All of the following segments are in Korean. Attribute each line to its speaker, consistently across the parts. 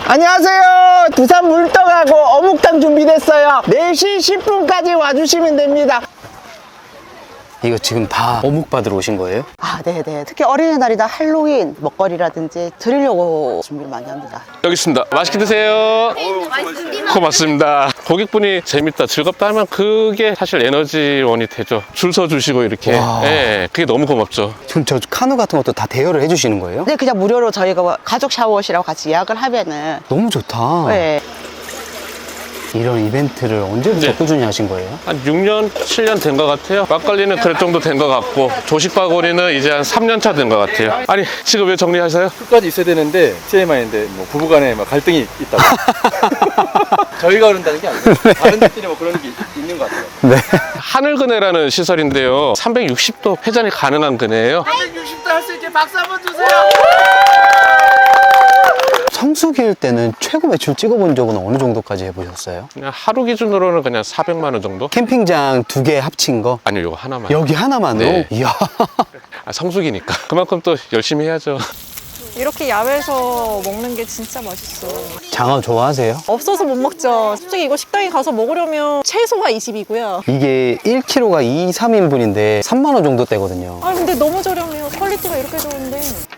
Speaker 1: 안녕하세요. 두산 물떡하고 어묵탕 준비됐어요. 4시 10분까지 와주시면 됩니다.
Speaker 2: 이거 지금 다 어묵 받으러 오신 거예요?
Speaker 3: 아, 네네. 특히 어린이날이나 할로윈 먹거리라든지 드리려고 준비를 많이 합니다.
Speaker 4: 여기 있습니다. 맛있게 드세요. 고맙습니다. 고객분이 재밌다, 즐겁다 하면 그게 사실 에너지원이 되죠. 줄 서 주시고 이렇게. 예, 그게 너무 고맙죠.
Speaker 2: 지금 저 카누 같은 것도 다 대여를 해주시는 거예요?
Speaker 3: 네, 그냥 무료로 저희가 가족 샤워실하고 같이 예약을 하면은.
Speaker 2: 너무 좋다.
Speaker 3: 네.
Speaker 2: 이런 이벤트를 언제부터
Speaker 4: 네.
Speaker 2: 꾸준히 하신 거예요?
Speaker 4: 한 6년, 7년 된 것 같아요. 막걸리는 그럴 정도 된 것 같고, 조식바구니는 이제 한 3년 차 된 것 같아요. 아니, 지금 왜 정리하세요?
Speaker 5: 끝까지 있어야 되는데 TMI인데 뭐 부부간에 막 갈등이 있다고. 저희가 그런다는 게 아니고 다른 데들이 뭐 그런 게 있는 것 같아요.
Speaker 2: 네.
Speaker 4: 하늘그네라는 시설인데요. 360도 회전이 가능한 그네예요.
Speaker 2: 성수기일 때는 최고 매출 찍어본 적은 어느 정도까지 해보셨어요?
Speaker 4: 그냥 하루 기준으로는 그냥 400만 원 정도?
Speaker 2: 캠핑장 2개 합친 거?
Speaker 4: 아니요, 이거 하나만.
Speaker 2: 여기 하나만으로?
Speaker 4: 네.
Speaker 2: 이야.
Speaker 4: 성수기니까. 그만큼 또 열심히 해야죠.
Speaker 6: 이렇게 야외에서 먹는 게 진짜 맛있어.
Speaker 2: 장어 좋아하세요?
Speaker 6: 없어서 못 먹죠. 솔직히 이거 식당에 가서 먹으려면 최소가 20이고요.
Speaker 2: 이게 1kg가 2, 3인분인데 3만 원 정도 되거든요.
Speaker 6: 아 근데 너무 저렴해요. 퀄리티가 이렇게 좋은데.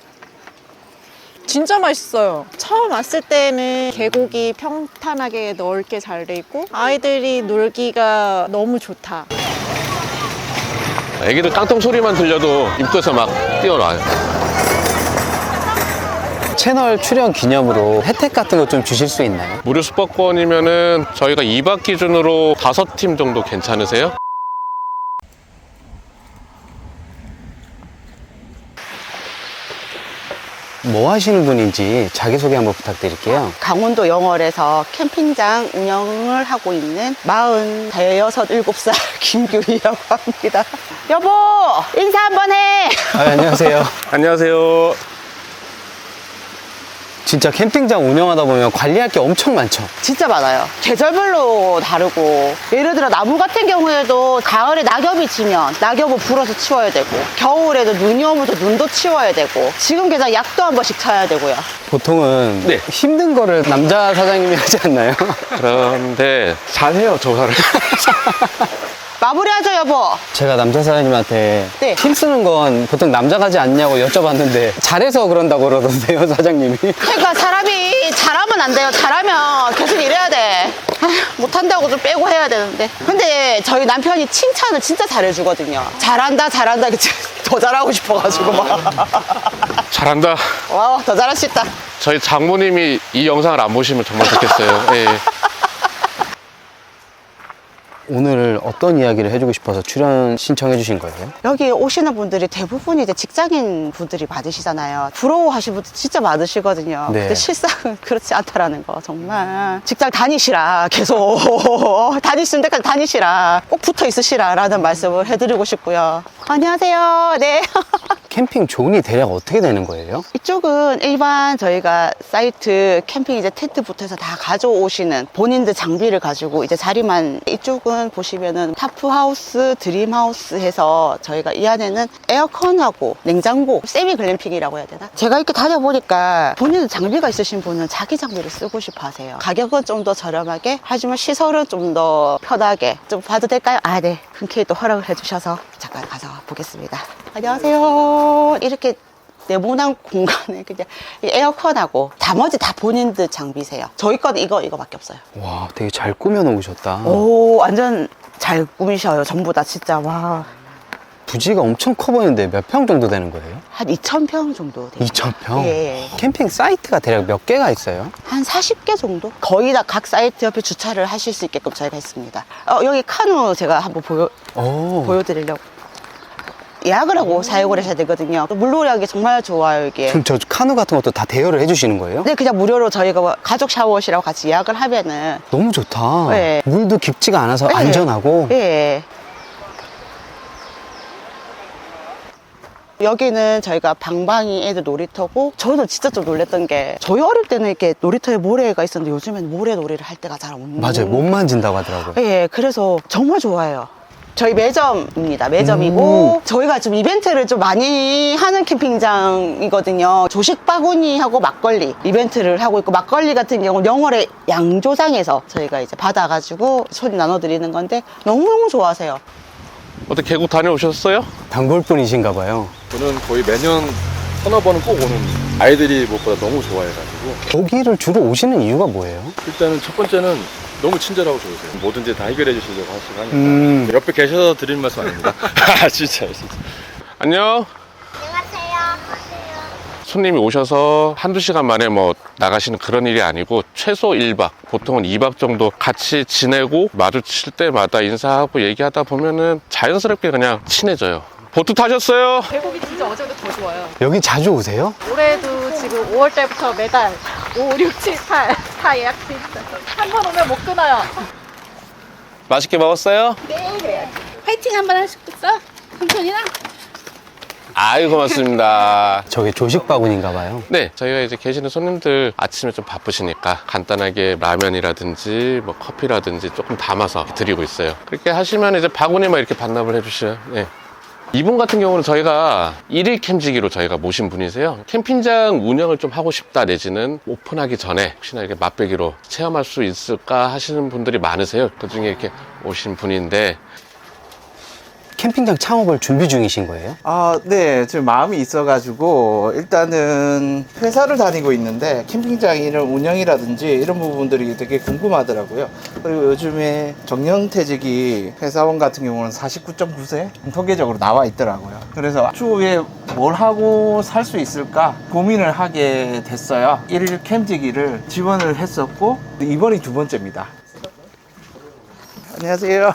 Speaker 6: 진짜 맛있어요. 처음 왔을 때는 계곡이 평탄하게 넓게 잘 돼 있고 아이들이 놀기가 너무 좋다.
Speaker 4: 애기들 깡통 소리만 들려도 입구에서 막 뛰어나요.
Speaker 2: 채널 출연 기념으로 혜택 같은 거 좀 주실 수 있나요?
Speaker 4: 무료 숙박권이면은 저희가 2박 기준으로 5팀 정도 괜찮으세요?
Speaker 2: 뭐 하시는 분인지 자기소개 한번 부탁드릴게요.
Speaker 3: 강원도 영월에서 캠핑장 운영을 하고 있는 47살 김규희라고 합니다. 여보, 인사 한번 해!
Speaker 2: 안녕하세요.
Speaker 4: 안녕하세요.
Speaker 2: 진짜 캠핑장 운영하다 보면 관리할 게 엄청 많죠?
Speaker 3: 진짜 많아요. 계절별로 다르고, 예를 들어 나무 같은 경우에도 가을에 낙엽이 지면 낙엽을 불어서 치워야 되고, 겨울에도 눈이 오면 또 눈도 치워야 되고, 지금 게다가 약도 한 번씩 쳐야 되고요.
Speaker 2: 보통은
Speaker 4: 네.
Speaker 2: 힘든 거를 남자 사장님이 하지 않나요?
Speaker 4: 그런데 잘해요, 조사를.
Speaker 3: 마무리하죠, 여보.
Speaker 2: 제가 남자 사장님한테
Speaker 3: 네.
Speaker 2: 힘쓰는 건 보통 남자가 하지 않냐고 여쭤봤는데 잘해서 그런다고 그러던데요, 사장님이.
Speaker 3: 그러니까 사람이 잘하면 안 돼요. 잘하면 계속 이래야 돼. 아휴, 못한다고 좀 빼고 해야 되는데. 근데 저희 남편이 칭찬을 진짜 잘해주거든요. 잘한다, 잘한다. 더 잘하고 싶어가지고 막.
Speaker 4: 잘한다.
Speaker 3: 와, 더 잘할 수 있다.
Speaker 4: 저희 장모님이 이 영상을 안 보시면 정말 좋겠어요. 예.
Speaker 2: 오늘 어떤 이야기를 해주고 싶어서 출연 신청해 주신 거예요?
Speaker 3: 여기 오시는 분들이 대부분이 이제 직장인 분들이 많으시잖아요. 부러워하시는 분들 진짜 많으시거든요.
Speaker 2: 네.
Speaker 3: 근데 실상은 그렇지 않다라는 거. 정말 직장 다니시라. 계속 다니시는 데까지 다니시라. 꼭 붙어 있으시라 라는 말씀을 해드리고 싶고요. 안녕하세요. 네.
Speaker 2: 캠핑 존이 대략 어떻게 되는 거예요?
Speaker 3: 이쪽은 일반 저희가 사이트 캠핑 이제 텐트부터 해서 다 가져오시는 본인들 장비를 가지고 이제 자리만, 이쪽은 보시면은 타프하우스, 드림하우스 해서 저희가 이 안에는 에어컨하고 냉장고, 세미 글램핑이라고 해야 되나? 제가 이렇게 다녀보니까 본인 장비가 있으신 분은 자기 장비를 쓰고 싶어 하세요. 가격은 좀 더 저렴하게, 하지만 시설은 좀 더 편하게. 좀 봐도 될까요? 아, 네. 흔쾌히 또 허락을 해주셔서 잠깐 가서 보겠습니다. 안녕하세요. 이렇게 네모난 공간에 그냥 이 에어컨하고 나머지 다 본인들 장비세요. 저희 건 이거밖에 없어요.
Speaker 2: 와, 되게 잘 꾸며 놓으셨다.
Speaker 3: 오, 완전 잘 꾸미셔요. 전부 다 진짜. 와.
Speaker 2: 부지가 엄청 커 보이는데 몇 평 정도 되는 거예요?
Speaker 3: 한 2,000평 정도 돼요.
Speaker 2: 2,000평?
Speaker 3: 예.
Speaker 2: 캠핑 사이트가 대략 몇 개가 있어요?
Speaker 3: 한 40개 정도? 거의 다 각 사이트 옆에 주차를 하실 수 있게끔 저희가 했습니다. 여기 카누 제가 한번 보여드리려고. 예약을 하고 사용을 하셔야 되거든요. 물놀이 하기 정말 좋아요, 이게.
Speaker 2: 그럼 저 카누 같은 것도 다 대여를 해주시는 거예요?
Speaker 3: 네, 그냥 무료로 저희가 가족 샤워실하고 같이 예약을 하면은.
Speaker 2: 너무 좋다.
Speaker 3: 네.
Speaker 2: 물도 깊지가 않아서
Speaker 3: 네.
Speaker 2: 안전하고.
Speaker 3: 예. 여기는 저희가 방방이 애들 놀이터고, 저는 진짜 좀 놀랬던 게, 저희 어릴 때는 이렇게 놀이터에 모래가 있었는데 요즘엔 모래 놀이를 할 때가 잘 없는.
Speaker 2: 맞아요. 못 만진다고 하더라고요.
Speaker 3: 예, 그래서 정말 좋아요. 저희 매점입니다. 매점이고 저희가 좀 이벤트를 좀 많이 하는 캠핑장이거든요. 조식 바구니하고 막걸리 이벤트를 하고 있고, 막걸리 같은 경우는 영월의 양조장에서 저희가 이제 받아가지고 손님 나눠드리는 건데 너무너무 좋아하세요.
Speaker 4: 어떻게 계곡 다녀오셨어요?
Speaker 2: 단골분이신가 봐요.
Speaker 5: 저는 거의 매년 서너 번은 꼭 오는, 아이들이 무엇보다 너무 좋아해가지고.
Speaker 2: 여기를 주로 오시는 이유가 뭐예요?
Speaker 5: 일단은 첫 번째는 너무 친절하고 좋으세요. 뭐든지 다 해결해 주시려고 하시고 하니까. 옆에 계셔서 드리는 말씀 아닙니다. 진짜.
Speaker 4: 안녕. 손님이 오셔서 한두 시간 만에 뭐 나가시는 그런 일이 아니고 최소 1박, 보통은 2박 정도 같이 지내고 마주칠 때마다 인사하고 얘기하다 보면은 자연스럽게 그냥 친해져요. 보트 타셨어요?
Speaker 6: 계곡이 진짜 어제보다 더 좋아요.
Speaker 2: 여기 자주 오세요?
Speaker 6: 올해도 지금 5월 달부터 매달 5, 6, 7, 8 다 예약돼 있어요. 한 번 오면 못 끊어요.
Speaker 4: 맛있게 먹었어요?
Speaker 7: 화이팅 한번 하시겠어? 삼촌이랑?
Speaker 4: 아유, 고맙습니다.
Speaker 2: 저게 조식 바구니인가 봐요.
Speaker 4: 네, 저희가 이제 계시는 손님들 아침에 좀 바쁘시니까 간단하게 라면이라든지 뭐 커피라든지 조금 담아서 드리고 있어요. 그렇게 하시면 이제 바구니만 이렇게 반납을 해주셔요. 네. 이분 같은 경우는 저희가 1일 캠지기로 저희가 모신 분이세요. 캠핑장 운영을 좀 하고 싶다 내지는 오픈하기 전에 혹시나 이렇게 맛배기로 체험할 수 있을까 하시는 분들이 많으세요. 그 중에 이렇게 오신 분인데,
Speaker 2: 캠핑장 창업을 준비 중이신 거예요?
Speaker 1: 네, 지금 마음이 있어가지고 일단은 회사를 다니고 있는데 캠핑장 이런 운영이라든지 이런 부분들이 되게 궁금하더라고요. 그리고 요즘에 정년퇴직이 회사원 같은 경우는 49.9세 통계적으로 나와 있더라고요. 그래서 추후에 뭘 하고 살 수 있을까 고민을 하게 됐어요. 1일 캠지기를 지원을 했었고 이번이 두 번째입니다. 안녕하세요.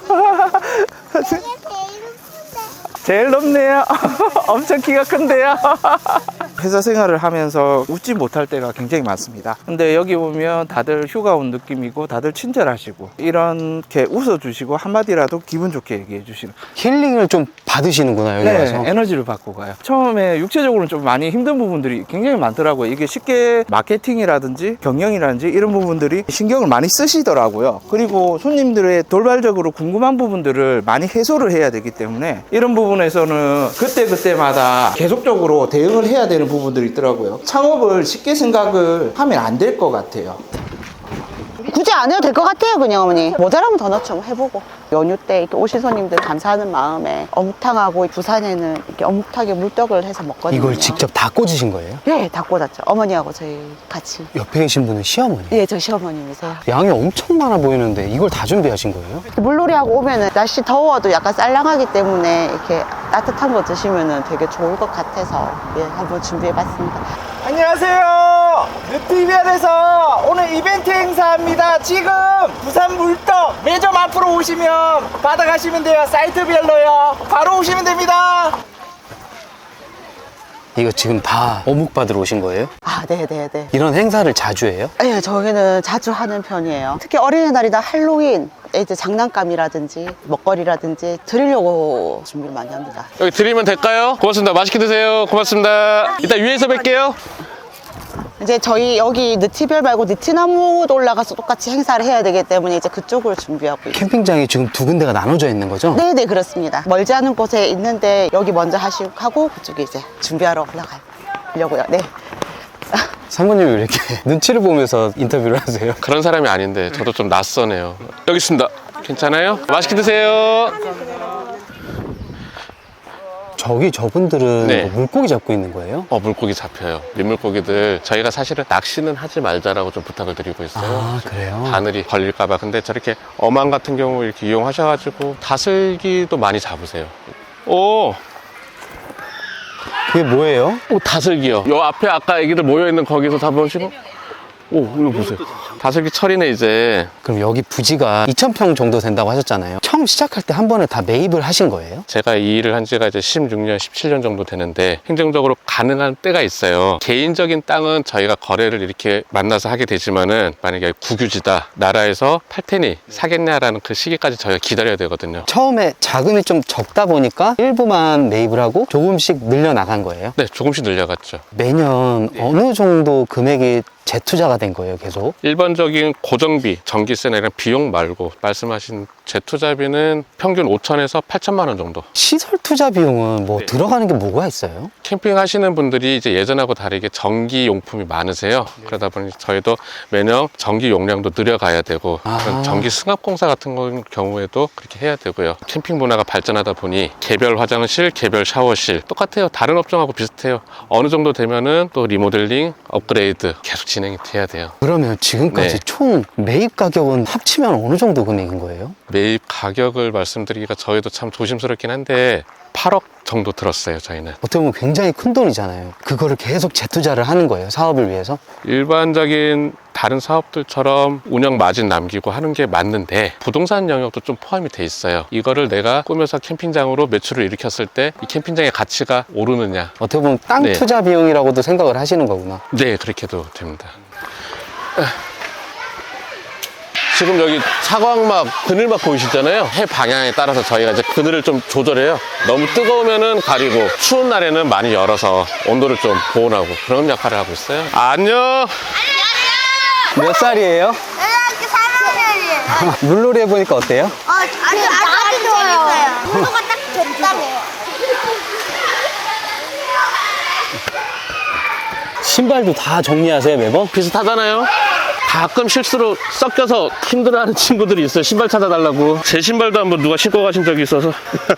Speaker 1: 제일 높네요. 엄청 키가 큰데요. 회사 생활을 하면서 웃지 못할 때가 굉장히 많습니다. 근데 여기 보면 다들 휴가 온 느낌이고 다들 친절하시고 이렇게 웃어주시고 한마디라도 기분 좋게 얘기해 주시는.
Speaker 2: 힐링을 좀 받으시는구나, 여기 와서.
Speaker 1: 네, 에너지를 받고 가요. 처음에 육체적으로는 좀 많이 힘든 부분들이 굉장히 많더라고요. 이게 쉽게 마케팅이라든지 경영이라든지 이런 부분들이 신경을 많이 쓰시더라고요. 그리고 손님들의 돌발적으로 궁금한 부분들을 많이 해소를 해야 되기 때문에 이런 부분에서는 그때그때마다 계속적으로 대응을 해야 되는 부분들이 있더라고요. 창업을 쉽게 생각을 하면 안 될 것 같아요.
Speaker 3: 굳이 안 해도 될 것 같아요, 그냥 어머니. 모자라면 더 넣죠, 뭐 해보고. 연휴 때 이렇게 오신 손님들 감사하는 마음에 어묵탕하고 부산에는 이렇게 어묵탕에 물떡을 해서 먹거든요.
Speaker 2: 이걸 직접 다 꽂으신 거예요?
Speaker 3: 네, 다 꽂았죠. 어머니하고 저희 같이.
Speaker 2: 옆에 계신 분은 시어머니?
Speaker 3: 예, 저 시어머님이세요.
Speaker 2: 양이 엄청 많아 보이는데 이걸 다 준비하신 거예요?
Speaker 3: 물놀이하고 오면은 날씨 더워도 약간 쌀랑하기 때문에 이렇게 따뜻한 거 드시면은 되게 좋을 것 같아서 예, 한번 준비해봤습니다.
Speaker 1: 안녕하세요. 느티벨에서 오늘 이벤트 행사합니다. 지금 부산 물떡 매점 앞으로 오시면 받아가시면 돼요. 사이트별로요. 바로 오시면 됩니다.
Speaker 2: 이거 지금 다 어묵 받으러 오신 거예요?
Speaker 3: 아, 네네네.
Speaker 2: 이런 행사를 자주 해요?
Speaker 3: 예, 저희는 자주 하는 편이에요. 특히 어린이날이나 할로윈, 이제 장난감이라든지 먹거리라든지 드리려고 준비를 많이 합니다.
Speaker 4: 여기 드리면 될까요? 고맙습니다. 맛있게 드세요. 고맙습니다. 이따 위에서 뵐게요.
Speaker 3: 이제 저희 여기 느티별 말고 느티나무도 올라가서 똑같이 행사를 해야 되기 때문에 이제 그쪽을 준비하고 있어요.
Speaker 2: 캠핑장이 지금 두 군데가 나눠져 있는 거죠?
Speaker 3: 네네, 그렇습니다. 멀지 않은 곳에 있는데 여기 먼저 하고 그쪽에 이제 준비하러 올라가려고요. 네.
Speaker 2: 사모님이 왜 이렇게 눈치를 보면서 인터뷰를 하세요?
Speaker 4: 그런 사람이 아닌데 저도 좀 낯서네요. 여기 있습니다. 괜찮아요? 맛있게 드세요.
Speaker 2: 저분들은
Speaker 4: 네.
Speaker 2: 뭐 물고기 잡고 있는 거예요?
Speaker 4: 물고기 잡혀요. 민물고기들 저희가 사실은 낚시는 하지 말자라고 좀 부탁을 드리고 있어요.
Speaker 2: 아, 그래요?
Speaker 4: 바늘이 걸릴까봐. 근데 저렇게 어망 같은 경우 이렇게 이용하셔가지고 다슬기도 많이 잡으세요. 오,
Speaker 2: 그게 뭐예요?
Speaker 4: 다슬기요. 요 앞에 아까 애기들 모여있는 거기서 잡으시고, 오, 이거 보세요. 다슬기 철이네, 이제.
Speaker 2: 그럼 여기 부지가 2,000평 정도 된다고 하셨잖아요. 처음 시작할 때 한 번에 다 매입을 하신 거예요?
Speaker 4: 제가 이 일을 한 지가 이제 16년, 17년 정도 되는데 행정적으로 가능한 때가 있어요. 개인적인 땅은 저희가 거래를 이렇게 만나서 하게 되지만은 만약에 국유지다, 나라에서 팔 테니 사겠냐라는 그 시기까지 저희가 기다려야 되거든요.
Speaker 2: 처음에 자금이 좀 적다 보니까 일부만 매입을 하고 조금씩 늘려나간 거예요?
Speaker 4: 네, 조금씩 늘려갔죠.
Speaker 2: 매년 어느 정도 금액이 재투자가 된 거예요, 계속?
Speaker 4: 일반적인 고정비, 전기세나 이런 비용 말고 말씀하신 재투자비는 평균 5천에서 8천만 원 정도.
Speaker 2: 시설 투자 비용은 뭐
Speaker 4: 네.
Speaker 2: 들어가는 게 뭐가 있어요?
Speaker 4: 캠핑 하시는 분들이 이제 예전하고 다르게 전기 용품이 많으세요. 그러다 보니 저희도 매년 전기 용량도 늘려가야 되고 그런 전기 승합 공사 같은 경우에도 그렇게 해야 되고요. 캠핑 문화가 발전하다 보니 개별 화장실, 개별 샤워실 똑같아요. 다른 업종하고 비슷해요. 어느 정도 되면은 또 리모델링, 업그레이드 계속 진행이 돼야 돼요.
Speaker 2: 그러면 지금까지
Speaker 4: 네.
Speaker 2: 총 매입 가격은 합치면 어느 정도 금액인 거예요?
Speaker 4: 매입 가격을 말씀드리기가 저희도 참 조심스럽긴 한데 8억 정도 들었어요, 저희는.
Speaker 2: 어떻게 보면 굉장히 큰 돈이잖아요. 그거를 계속 재투자를 하는 거예요, 사업을 위해서?
Speaker 4: 일반적인 다른 사업들처럼 운영 마진 남기고 하는 게 맞는데 부동산 영역도 좀 포함이 돼 있어요. 이거를 내가 꾸며서 캠핑장으로 매출을 일으켰을 때 이 캠핑장의 가치가 오르느냐.
Speaker 2: 어떻게 보면 땅
Speaker 4: 네.
Speaker 2: 투자 비용이라고도 생각을 하시는 거구나.
Speaker 4: 네, 그렇게도 됩니다. 지금 여기 사광막, 그늘막 보이시잖아요. 해 방향에 따라서 저희가 이제 그늘을 좀 조절해요. 너무 뜨거우면은 가리고 추운 날에는 많이 열어서 온도를 좀 보온하고 그런 역할을 하고 있어요. 안녕.
Speaker 2: 몇 살이에요?
Speaker 8: 고등학교 3학년이에요.
Speaker 2: 물놀이 해보니까 어때요?
Speaker 8: 아주 좋아요. 온도가 딱 적당해요.
Speaker 2: 신발도 다 정리하세요, 매번?
Speaker 4: 비슷하잖아요. 가끔 실수로 섞여서 힘들어하는 친구들이 있어요. 신발 찾아달라고. 제 신발도 한번 누가 신고 가신 적이 있어서.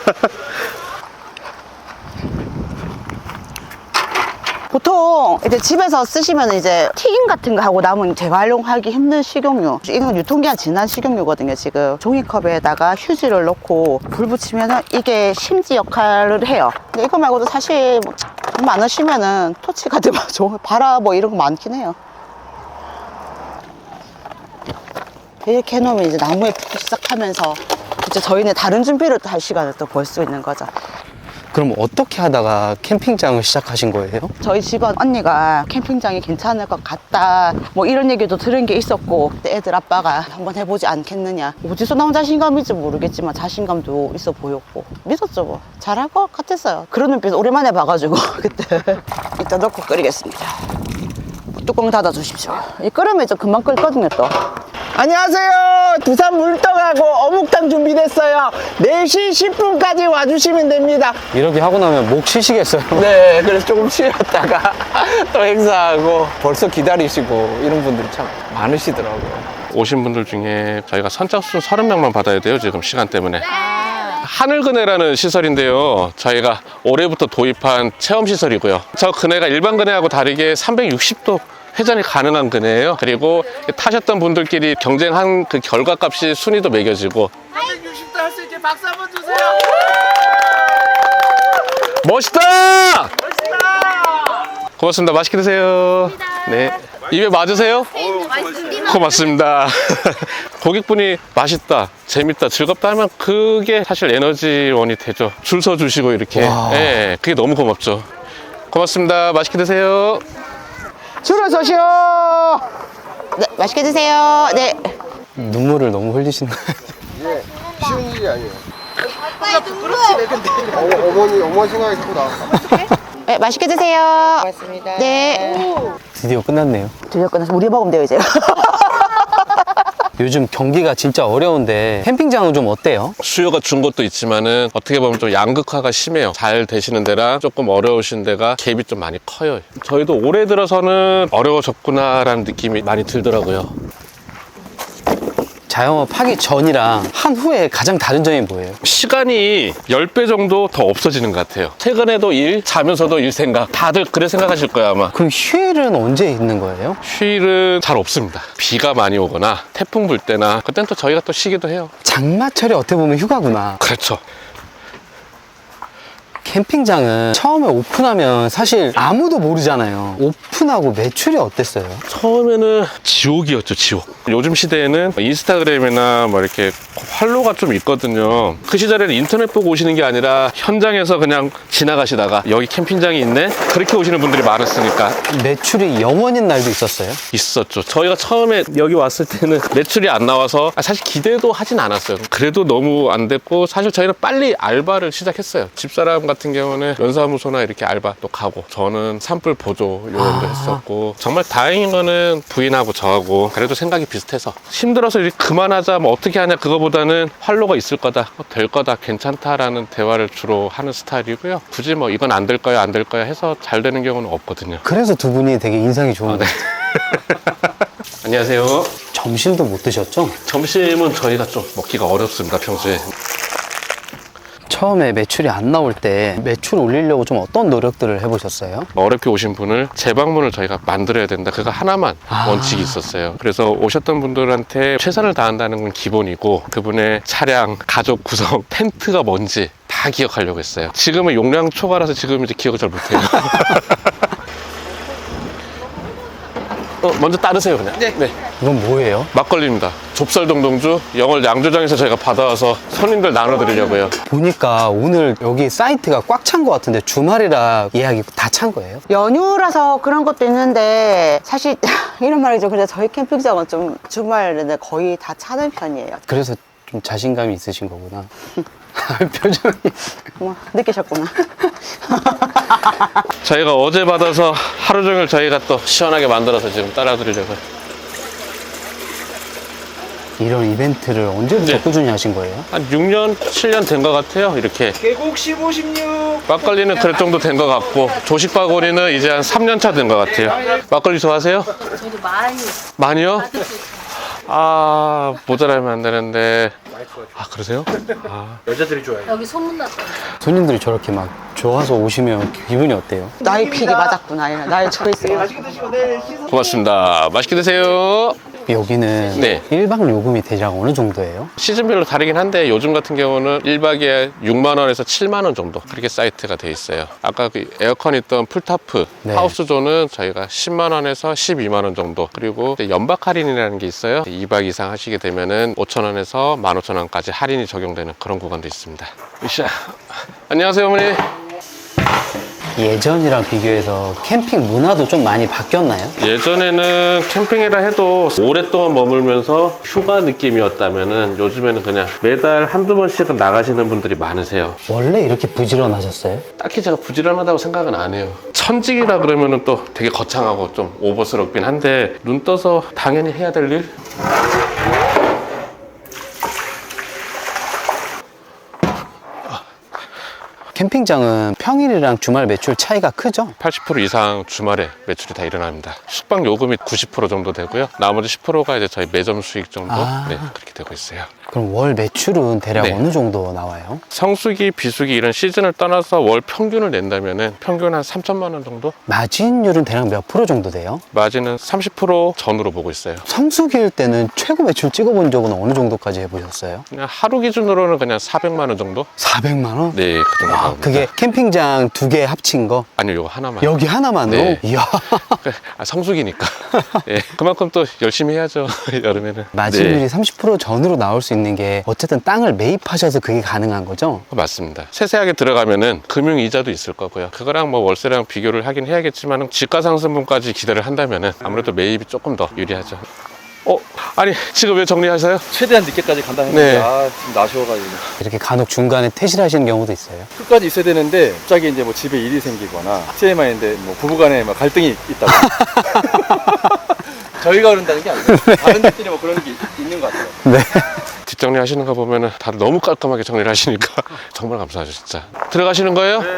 Speaker 3: 보통 이제 집에서 쓰시면 이제 튀김 같은 거 하고 남은 재활용하기 힘든 식용유. 이건 유통기한 지난 식용유거든요, 지금. 종이컵에다가 휴지를 넣고 불 붙이면은 이게 심지 역할을 해요. 근데 이거 말고도 사실 뭐 돈 많으시면은 토치 같은 거, 바라 뭐 이런 거 많긴 해요. 이렇게 해놓으면 이제 나무에 붙기 시작하면서 이제 저희는 다른 준비를 또 할 시간을 또 볼 수 있는 거죠.
Speaker 2: 그럼 어떻게 하다가 캠핑장을 시작하신 거예요?
Speaker 3: 저희 직원 언니가 캠핑장이 괜찮을 것 같다 뭐 이런 얘기도 들은 게 있었고 애들 아빠가 한번 해보지 않겠느냐. 어디서 나온 자신감인지 모르겠지만 자신감도 있어 보였고 믿었죠. 뭐 잘할 것 같았어요. 그런 눈빛 오랜만에 봐가지고 그때 일단 넣고 끓이겠습니다. 뚜껑 닫아 주십시오. 이 끓으면 좀 금방 끓거든요. 또
Speaker 9: 안녕하세요. 두산 물떡하고 어묵탕 준비됐어요. 4시 10분까지 와주시면 됩니다.
Speaker 2: 이렇게 하고 나면 목 쉬시겠어요?
Speaker 9: 네, 그래서 조금 쉬었다가 또 행사하고 벌써 기다리시고 이런 분들이 참 많으시더라고요.
Speaker 4: 오신 분들 중에 저희가 선착순 30명만 받아야 돼요, 지금 시간 때문에. 하늘그네라는 시설인데요. 저희가 올해부터 도입한 체험시설이고요. 저 그네가 일반 그네하고 다르게 360도 회전이 가능한 그네예요. 그리고 타셨던 분들끼리 경쟁한 그 결과값이 순위도 매겨지고.
Speaker 9: 360도 할 수 있게 박수 한번 주세요.
Speaker 4: 멋있다! 고맙습니다. 맛있게 드세요. 네. 입에 맞으세요? 고맙습니다. 고객분이 맛있다, 재밌다, 즐겁다 하면 그게 사실 에너지원이 되죠. 줄 서 주시고 이렇게. 네, 그게 너무 고맙죠. 고맙습니다. 맛있게 드세요.
Speaker 9: 줄을 서시오.
Speaker 3: 네, 맛있게 드세요. 네.
Speaker 2: 눈물을 너무 흘리시는
Speaker 10: 쉬운 일이 아니에요.
Speaker 8: 그렇지.
Speaker 10: 어머니 생각이 자꾸 나.
Speaker 3: 네, 맛있게 드세요. 고맙습니다. 네.
Speaker 2: 드디어 끝났네요.
Speaker 3: 드디어 끝나서 우리 먹으면 돼요, 이제.
Speaker 2: 요즘 경기가 진짜 어려운데 캠핑장은 좀 어때요?
Speaker 4: 수요가 준 것도 있지만은 어떻게 보면 좀 양극화가 심해요. 잘 되시는 데랑 조금 어려우신 데가 갭이 좀 많이 커요. 저희도 올해 들어서는 어려워졌구나라는 느낌이 많이 들더라고요.
Speaker 2: 자영업 하기 전이랑 한 후에 가장 다른 점이 뭐예요?
Speaker 4: 시간이 10배 정도 더 없어지는 것 같아요. 퇴근해도 일, 자면서도 일 생각. 다들 그래 생각하실 거예요, 아마.
Speaker 2: 그럼 휴일은 언제 있는 거예요?
Speaker 4: 휴일은 잘 없습니다. 비가 많이 오거나 태풍 불 때나 그땐 또 저희가 또 쉬기도 해요.
Speaker 2: 장마철이 어떻게 보면 휴가구나.
Speaker 4: 그렇죠.
Speaker 2: 캠핑장은 처음에 오픈하면 사실 아무도 모르잖아요. 오픈하고 매출이 어땠어요?
Speaker 4: 처음에는 지옥이었죠, 지옥. 요즘 시대에는 인스타그램이나 뭐 이렇게 팔로우가 좀 있거든요. 그 시절에는 인터넷 보고 오시는 게 아니라 현장에서 그냥 지나가시다가 여기 캠핑장이 있네? 그렇게 오시는 분들이 많았으니까.
Speaker 2: 매출이 0원인 날도 있었어요?
Speaker 4: 있었죠. 저희가 처음에 여기 왔을 때는 매출이 안 나와서 사실 기대도 하진 않았어요. 그래도 너무 안 됐고 사실 저희는 빨리 알바를 시작했어요. 집사람 같은 경우는 연사무소나 이렇게 알바 또 가고, 저는 산불 보조 요원도 했었고, 정말 다행인 거는 부인하고 저하고 그래도 생각이 비슷해서 힘들어서 이렇게 그만하자 뭐 어떻게 하냐 그거보다는 활로가 있을 거다, 될 거다, 괜찮다라는 대화를 주로 하는 스타일이고요. 굳이 뭐 이건 안 될 거야 안 될 거야 해서 잘 되는 경우는 없거든요.
Speaker 2: 그래서 두 분이 되게 인상이 좋은 것 같아요.
Speaker 4: 안녕하세요.
Speaker 2: 점심도 못 드셨죠?
Speaker 4: 점심은 저희가 좀 먹기가 어렵습니다, 평소에.
Speaker 2: 처음에 매출이 안 나올 때 매출 올리려고 좀 어떤 노력들을 해보셨어요?
Speaker 4: 어렵게 오신 분을 재방문을 저희가 만들어야 된다, 그거 하나만 원칙이 있었어요. 그래서 오셨던 분들한테 최선을 다한다는 건 기본이고, 그분의 차량, 가족 구성, 텐트가 뭔지 다 기억하려고 했어요. 지금은 용량 초과라서 지금 이제 기억을 잘 못해요. 먼저 따르세요, 그냥. 네.
Speaker 2: 이건 뭐예요?
Speaker 4: 막걸리입니다. 좁쌀동동주 영월 양조장에서 저희가 받아와서 손님들 나눠드리려고요.
Speaker 2: 보니까 오늘 여기 사이트가 꽉 찬 것 같은데 주말이라 예약이 다 찬 거예요?
Speaker 3: 연휴라서 그런 것도 있는데 사실 이런 말이죠. 근데 저희 캠핑장은 좀 주말에는 거의 다 차는 편이에요.
Speaker 2: 그래서 좀 자신감이 있으신 거구나. 표정이.
Speaker 3: 어머, 느끼셨구나.
Speaker 4: 저희가 어제 받아서 하루 종일 저희가 또 시원하게 만들어서 지금 따라드리려고요.
Speaker 2: 이런 이벤트를 언제부터
Speaker 4: 네.
Speaker 2: 꾸준히 하신 거예요?
Speaker 4: 한 6년, 7년 된 것 같아요. 이렇게
Speaker 1: 계곡 15, 16.
Speaker 4: 막걸리는 그럴 정도 된 것 같고, 조식바구니는 이제 한 3년 차 된 것 같아요. 막걸리 좋아하세요?
Speaker 7: 저도 많이.
Speaker 4: 많이요? 아, 모자라면 안 되는데. 아, 그러세요? 아.
Speaker 5: 여자들이 좋아해요.
Speaker 7: 여기 소문났다.
Speaker 2: 손님들이 저렇게 막 좋아서 오시면 기분이 어때요?
Speaker 3: 나의 픽이 맞았구나. 이런 나의 초이스.
Speaker 1: 맛있게 드시고 내일 씻어.
Speaker 4: 고맙습니다. 맛있게 드세요.
Speaker 2: 여기는
Speaker 4: 네.
Speaker 2: 1박 요금이 대략 어느 정도예요?
Speaker 4: 시즌별로 다르긴 한데, 요즘 같은 경우는 1박에 6만원에서 7만원 정도 그렇게 사이트가 돼 있어요. 아까 그 에어컨 있던 풀타프
Speaker 2: 네.
Speaker 4: 하우스존은 저희가 10만원에서 12만원 정도, 그리고 이제 연박 할인이라는 게 있어요. 2박 이상 하시게 되면은 5천원에서 15,000원까지 할인이 적용되는 그런 구간도 있습니다. 으쌰. 안녕하세요, 어머니.
Speaker 2: 예전이랑 비교해서 캠핑 문화도 좀 많이 바뀌었나요?
Speaker 4: 예전에는 캠핑이라 해도 오랫동안 머물면서 휴가 느낌이었다면은, 요즘에는 그냥 매달 한두 번씩은 나가시는 분들이 많으세요.
Speaker 2: 원래 이렇게 부지런하셨어요?
Speaker 4: 딱히 제가 부지런하다고 생각은 안 해요. 천직이라 그러면은 또 되게 거창하고 좀 오버스럽긴 한데, 눈 떠서 당연히 해야 될 일?
Speaker 2: 캠핑장은 평일이랑 주말 매출 차이가 크죠?
Speaker 4: 80% 이상 주말에 매출이 다 일어납니다. 숙박 요금이 90% 정도 되고요. 나머지 10%가 이제 저희 매점 수익 정도 네, 그렇게 되고 있어요.
Speaker 2: 그럼 월 매출은 대략
Speaker 4: 네.
Speaker 2: 어느 정도 나와요?
Speaker 4: 성수기, 비수기 이런 시즌을 떠나서 월 평균을 낸다면은 평균 한 3천만 원 정도?
Speaker 2: 마진율은 대략 몇 프로 정도 돼요?
Speaker 4: 마진은 30% 전으로 보고 있어요.
Speaker 2: 성수기일 때는 최고 매출 찍어본 적은 어느 정도까지 해보셨어요?
Speaker 4: 그냥 하루 기준으로는 그냥 400만 원 정도?
Speaker 2: 400만 원?
Speaker 4: 네, 그 정도 나옵니다.
Speaker 2: 그게 캠핑장 2개 합친 거?
Speaker 4: 아니요, 이거 하나만.
Speaker 2: 여기 하나만으로?
Speaker 4: 네.
Speaker 2: 이야.
Speaker 4: 성수기니까. 예, 그만큼 또 열심히 해야죠, 여름에는.
Speaker 2: 마진율이
Speaker 4: 네,
Speaker 2: 30% 전으로 나올 수 있는 게 어쨌든 땅을 매입하셔서 그게 가능한 거죠?
Speaker 4: 맞습니다. 세세하게 들어가면은 금융이자도 있을 거고요. 그거랑 뭐 월세랑 비교를 하긴 해야겠지만, 지가 상승분까지 기대를 한다면은 아무래도 매입이 조금 더 유리하죠. 아니, 지금 왜 정리하세요?
Speaker 5: 최대한 늦게까지 간다 했는데
Speaker 4: 네.
Speaker 5: 지금 나셔가지고
Speaker 2: 이렇게 간혹 중간에 퇴실하시는 경우도 있어요.
Speaker 5: 끝까지 있어야 되는데 갑자기 이제 뭐 집에 일이 생기거나 TMI인데 뭐 부부간에 막 갈등이 있다고. 저희가 그런다는 게 아니고 다른 데들이 뭐 그런 게 있는 것 같아요.
Speaker 2: 네.
Speaker 4: 뒷정리 하시는 거 보면은 다들 너무 깔끔하게 정리를 하시니까 정말 감사하죠, 진짜. 들어가시는 거예요?
Speaker 5: 네.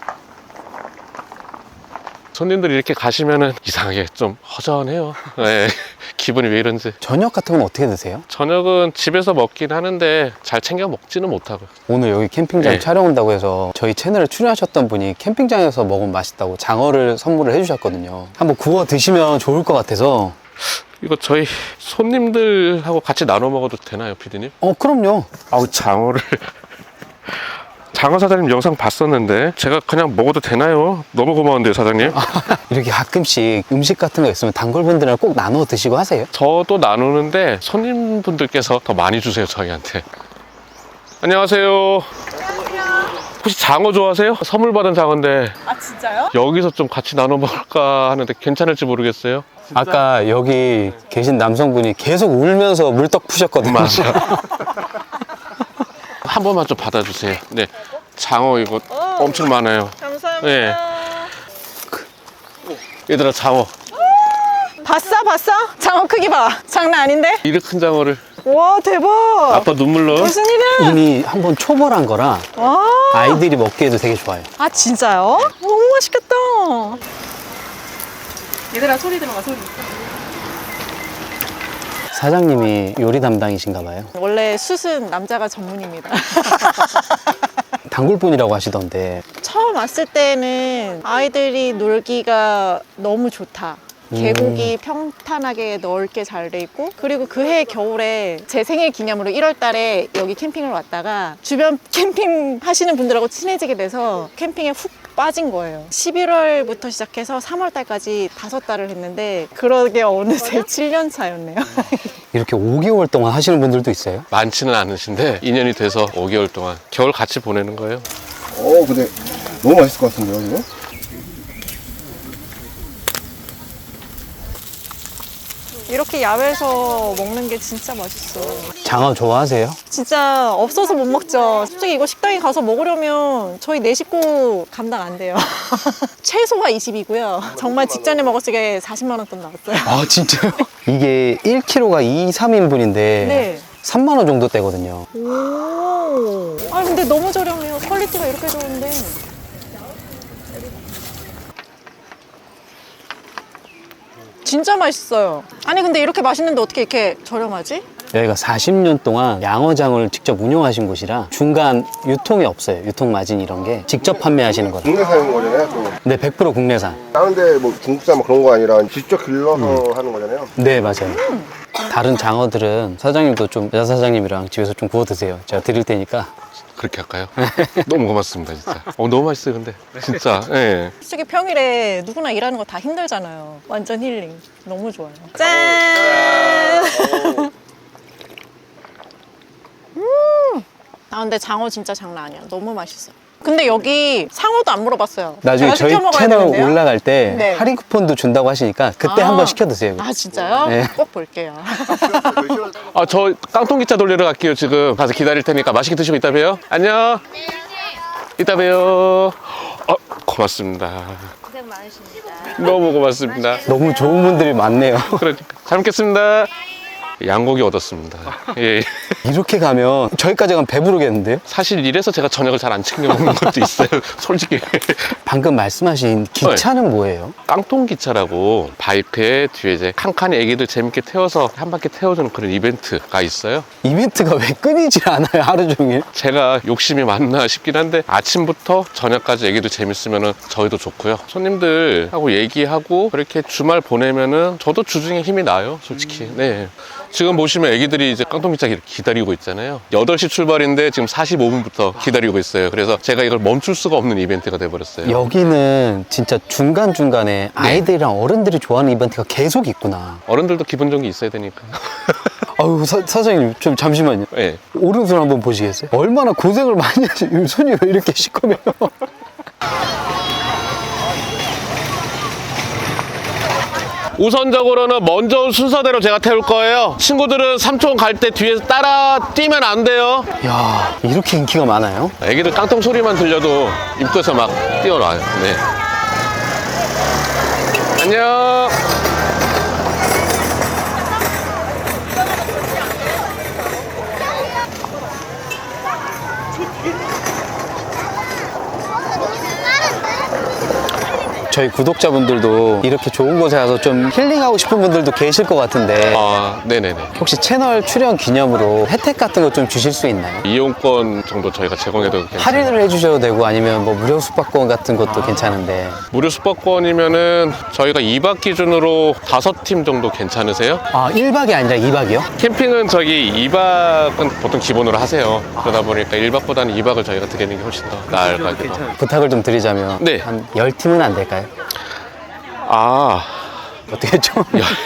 Speaker 4: 손님들이 이렇게 가시면은 이상하게 좀 허전해요. 네. 기분이 왜 이런지.
Speaker 2: 저녁 같은 건 어떻게 드세요?
Speaker 4: 저녁은 집에서 먹긴 하는데 잘 챙겨 먹지는 못하고요.
Speaker 2: 오늘 여기 캠핑장
Speaker 4: 네.
Speaker 2: 촬영 온다고 해서 저희 채널에 출연하셨던 분이 캠핑장에서 먹으면 맛있다고 장어를 선물을 해주셨거든요. 한번 구워 드시면 좋을 것 같아서.
Speaker 4: 이거 저희 손님들하고 같이 나눠 먹어도 되나요, 피디님?
Speaker 2: 그럼요.
Speaker 4: 아우, 장어를. 장어 사장님 영상 봤었는데 제가 그냥 먹어도 되나요? 너무 고마운데요, 사장님.
Speaker 2: 이렇게 가끔씩 음식 같은 거 있으면 단골분들이랑 꼭 나눠 드시고 하세요?
Speaker 4: 저도 나누는데 손님분들께서 더 많이 주세요, 저희한테. 안녕하세요. 혹시 장어 좋아하세요? 선물 받은 장어인데.
Speaker 6: 아 진짜요?
Speaker 4: 여기서 좀 같이 나눠 먹을까 하는데 괜찮을지 모르겠어요.
Speaker 2: 아까 여기 계신 남성분이 계속 울면서 물떡 푸셨거든요.
Speaker 4: 맞아. 한 번만 좀 받아주세요. 네. 장어 이거 엄청 많아요.
Speaker 6: 감사합니다.
Speaker 4: 네. 얘들아, 장어.
Speaker 6: 봤어? 장어 크기 봐. 장난 아닌데?
Speaker 4: 이렇게 큰 장어를.
Speaker 6: 와, 대박.
Speaker 4: 아빠 눈물 나.
Speaker 6: 무슨 일이야?
Speaker 2: 이미 한번 초벌한 거라
Speaker 6: 와.
Speaker 2: 아이들이 먹기에도 되게 좋아요.
Speaker 6: 아, 진짜요? 너무 맛있겠다.
Speaker 7: 얘들아 소리 들어가 소리.
Speaker 2: 사장님이 요리 담당이신가 봐요.
Speaker 6: 원래 숯은 남자가 전문입니다.
Speaker 2: 단골분이라고 하시던데.
Speaker 6: 처음 왔을 때는 아이들이 놀기가 너무 좋다. 계곡이 평탄하게 넓게 잘 돼 있고, 그리고 그해 겨울에 제 생일 기념으로 1월 달에 여기 캠핑을 왔다가 주변 캠핑 하시는 분들하고 친해지게 돼서 캠핑에 훅 빠진 거예요. 11월부터 시작해서 3월 달까지 5달을 했는데 그러게 어느새 7년 차였네요.
Speaker 2: 이렇게 5개월 동안 하시는 분들도 있어요?
Speaker 4: 많지는 않으신데 2년이 돼서 5개월 동안 겨울 같이 보내는 거예요.
Speaker 10: 근데 너무 맛있을 것 같은데요, 지금?
Speaker 6: 이렇게 야외에서 먹는 게 진짜 맛있어.
Speaker 2: 장어 좋아하세요?
Speaker 6: 진짜 없어서 못 먹죠. 솔직히 이거 식당에 가서 먹으려면 저희 4식구 감당 안 돼요. 최소가 20이고요. 정말 직전에 먹었을 때 40만 원 돈 나왔어요.
Speaker 2: 아, 진짜요? 이게 1kg가 2, 3인분인데
Speaker 6: 네.
Speaker 2: 3만 원 정도 되거든요.
Speaker 6: 오. 아 근데 너무 저렴해요. 퀄리티가 이렇게 좋은데. 진짜 맛있어요. 아니 근데 이렇게 맛있는데 어떻게 이렇게 저렴하지?
Speaker 2: 여기가 40년 동안 양어장을 직접 운영하신 곳이라 중간 유통이 없어요. 유통 마진 이런 게 직접 판매하시는 거라.
Speaker 10: 국내산인 거잖아요, 또.
Speaker 2: 네, 100% 국내산.
Speaker 10: 다른데 뭐 중국산 뭐 그런 거 아니라 직접 길러서 하는 거잖아요.
Speaker 2: 네, 맞아요. 다른 장어들은 사장님도 좀 여자 사장님이랑 집에서 좀 구워 드세요. 제가 드릴 테니까.
Speaker 4: 그렇게 할까요? 너무 고맙습니다, 진짜. 너무 맛있어요, 근데. 진짜. 예.
Speaker 6: 솔직히 평일에 누구나 일하는 거 다 힘들잖아요. 완전 힐링. 너무 좋아요. 짠! 아 근데 장어 진짜 장난 아니야. 너무 맛있어. 근데 여기 상어도 안 물어봤어요.
Speaker 2: 나중에
Speaker 6: 제가
Speaker 2: 저희
Speaker 6: 시켜 먹어야
Speaker 2: 채널
Speaker 6: 되는데요?
Speaker 2: 올라갈 때
Speaker 6: 네.
Speaker 2: 할인 쿠폰도 준다고 하시니까 그때
Speaker 6: 아.
Speaker 2: 한번 시켜 드세요.
Speaker 6: 아 진짜요?
Speaker 2: 네.
Speaker 6: 꼭 볼게요.
Speaker 4: 저 깡통기차 돌리러 갈게요, 지금. 가서 기다릴 테니까 맛있게 드시고 이따 봬요. 안녕. 이따 봬요. 고맙습니다.
Speaker 8: 고생 많으십니다.
Speaker 4: 너무 고맙습니다.
Speaker 2: 너무 좋은 분들이 많네요.
Speaker 4: 그러니까. 잘 먹겠습니다. 양고기 얻었습니다. 예.
Speaker 2: 이렇게 가면 저희까지 가면 배부르겠는데요?
Speaker 4: 사실 이래서 제가 저녁을 잘 안 챙겨 먹는 것도 있어요. 솔직히.
Speaker 2: 방금 말씀하신 기차는 뭐예요?
Speaker 4: 깡통기차라고 바이크에 뒤에 이제 칸칸이 애기들 재밌게 태워서 한 바퀴 태워주는 그런 이벤트가 있어요.
Speaker 2: 이벤트가 왜 끊이질 않아요, 하루 종일?
Speaker 4: 제가 욕심이 많나 싶긴 한데 아침부터 저녁까지 애기들 재밌으면 저희도 좋고요. 손님들하고 얘기하고 그렇게 주말 보내면은 저도 주중에 힘이 나요, 솔직히. 네. 지금 보시면 애기들이 이제 깡통기차 기다리고 있잖아요. 8시 출발인데 지금 45분부터 기다리고 있어요. 그래서 제가 이걸 멈출 수가 없는 이벤트가 돼버렸어요.
Speaker 2: 여기는 진짜 중간중간에 아이들이랑 어른들이 좋아하는 이벤트가 계속 있구나.
Speaker 4: 어른들도 기분 좋은 게 있어야 되니까.
Speaker 2: 아유, 사장님, 좀 잠시만요.
Speaker 4: 네.
Speaker 2: 오른손 한번 보시겠어요? 얼마나 고생을 많이 하시, 손이 왜 이렇게 시커매요?
Speaker 4: 우선적으로는 먼저 온 순서대로 제가 태울 거예요. 친구들은 삼촌 갈 때 뒤에서 따라 뛰면 안 돼요.
Speaker 2: 야, 이렇게 인기가 많아요?
Speaker 4: 애기들 깡통 소리만 들려도 입구에서 막 뛰어나와요. 네. 안녕.
Speaker 2: 저희 구독자분들도 이렇게 좋은 곳에 가서 좀 힐링하고 싶은 분들도 계실 것 같은데
Speaker 4: 네네네.
Speaker 2: 혹시 채널 출연 기념으로 혜택 같은 거 좀 주실 수 있나요?
Speaker 4: 이용권 정도 저희가 제공해도 괜찮아요.
Speaker 2: 할인을 해주셔도 되고 아니면 뭐 무료 숙박권 같은 것도 괜찮은데.
Speaker 4: 무료 숙박권이면은 저희가 2박 기준으로 5팀 정도 괜찮으세요?
Speaker 2: 아, 1박이 아니라 2박이요?
Speaker 4: 캠핑은 저기 2박은 보통 기본으로 하세요. 그러다 보니까 1박보다는 2박을 저희가 드리는 게 훨씬 더 나을 것 같기도 하고.
Speaker 2: 부탁을 좀 드리자면
Speaker 4: 네.
Speaker 2: 한 10팀은 안 될까요? 어떻게 좀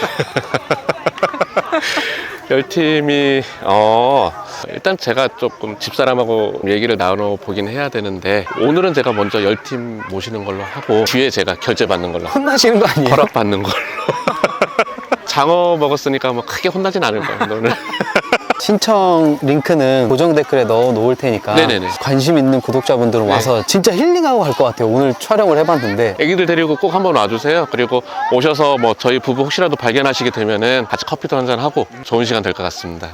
Speaker 4: 10팀이 일단 제가 조금 집사람하고 얘기를 나눠보긴 해야 되는데 오늘은 제가 먼저 10팀 모시는 걸로 하고 뒤에 제가 결제받는 걸로
Speaker 2: 혼나시는 거 아니에요?
Speaker 4: 허락받는 걸로 장어 먹었으니까 뭐 크게 혼나진 않을 거예요 오늘.
Speaker 2: 신청 링크는 고정 댓글에 넣어 놓을 테니까
Speaker 4: 네네네.
Speaker 2: 관심 있는 구독자분들은
Speaker 4: 네.
Speaker 2: 와서 진짜 힐링하고 갈 것 같아요. 오늘 촬영을 해봤는데
Speaker 4: 애기들 데리고 꼭 한번 와주세요. 그리고 오셔서 뭐 저희 부부 혹시라도 발견하시게 되면은 같이 커피도 한잔 하고 좋은 시간 될 것 같습니다.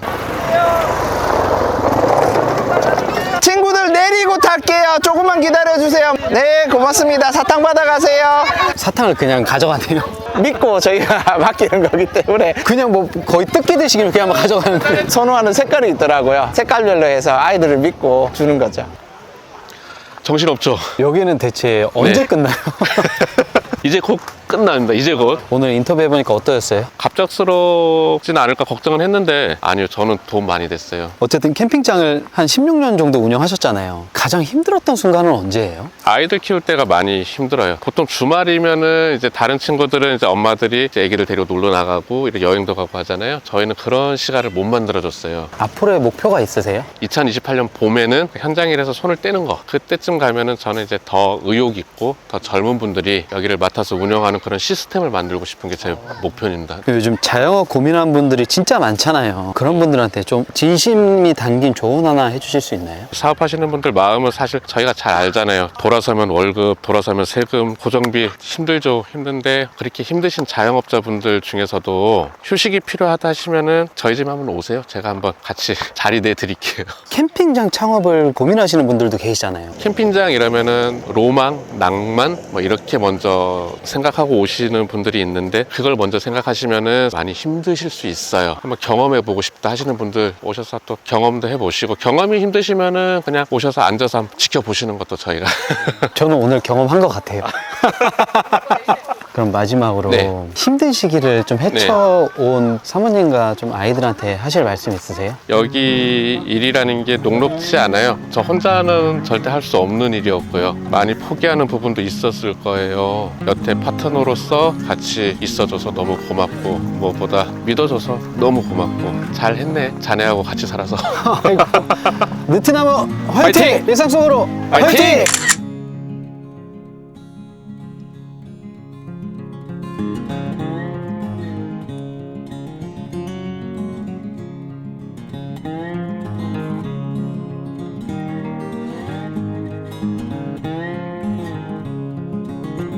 Speaker 1: 친구들 내리고 탈게요. 조금만 기다려주세요. 네, 고맙습니다. 사탕 받아가세요.
Speaker 2: 사탕을 그냥 가져가네요.
Speaker 1: 믿고 저희가 맡기는 거기 때문에
Speaker 2: 그냥 뭐 거의 뜯기듯이 그냥 막 가져가는 거예요.
Speaker 1: 선호하는 색깔이 있더라고요. 색깔별로 해서 아이들을 믿고 주는 거죠.
Speaker 4: 정신없죠?
Speaker 2: 여기는 대체 언제
Speaker 4: 네.
Speaker 2: 끝나요?
Speaker 4: 이제 곧 끝납니다. 이제 곧.
Speaker 2: 오늘 인터뷰 해보니까 어떠셨어요?
Speaker 4: 갑작스럽지는 않을까 걱정은 했는데 아니요, 저는 도움 많이 됐어요.
Speaker 2: 어쨌든 캠핑장을 한 16년 정도 운영하셨잖아요. 가장 힘들었던 순간은 언제예요?
Speaker 4: 아이들 키울 때가 많이 힘들어요. 보통 주말이면은 이제 다른 친구들은 이제 엄마들이 이제 애기들 데리고 놀러 나가고 이렇게 여행도 가고 하잖아요. 저희는 그런 시간을 못 만들어줬어요.
Speaker 2: 앞으로의 목표가 있으세요?
Speaker 4: 2028년 봄에는 현장 일에서 손을 떼는 거, 그때쯤 가면은 저는 이제 더 의욕 있고 더 젊은 분들이 여기를 맡아서 운영하는 그런 시스템을 만들고 싶은 게 제 목표입니다.
Speaker 2: 요즘 자영업 고민하는 분들이 진짜 많잖아요. 그런 분들한테 좀 진심이 담긴 조언 하나 해주실 수 있나요?
Speaker 4: 사업하시는 분들 마음은 사실 저희가 잘 알잖아요. 돌아서면 월급, 돌아서면 세금, 고정비 힘들죠. 힘든데 그렇게 힘드신 자영업자분들 중에서도 휴식이 필요하다 하시면은 저희 집 한번 오세요. 제가 한번 같이 자리 내드릴게요.
Speaker 2: 캠핑장 창업을 고민하시는 분들도 계시잖아요.
Speaker 4: 캠핑장 이러면은 로망, 낭만 뭐 이렇게 먼저 생각하고 오시는 분들이 있는데 그걸 먼저 생각하시면은 많이 힘드실 수 있어요. 한번 경험해보고 싶다 하시는 분들 오셔서 또 경험도 해보시고, 경험이 힘드시면은 그냥 오셔서 앉아서 한번 지켜보시는 것도 저희가
Speaker 2: 저는 오늘 경험한 것 같아요. 그럼 마지막으로
Speaker 4: 네.
Speaker 2: 힘든 시기를 좀 헤쳐온 사모님과 좀 아이들한테 하실 말씀 있으세요?
Speaker 4: 여기 일이라는 게 녹록지 않아요. 저 혼자는 절대 할 수 없는 일이었고요. 많이 포기하는 부분도 있었을 거예요. 여태 파트너로서 같이 있어줘서 너무 고맙고, 무엇보다 믿어줘서 너무 고맙고, 잘했네. 자네하고 같이 살아서.
Speaker 2: 느티나무 화이팅!
Speaker 4: 화이팅!
Speaker 2: 일상 속으로
Speaker 4: 화이팅!
Speaker 2: 화이팅!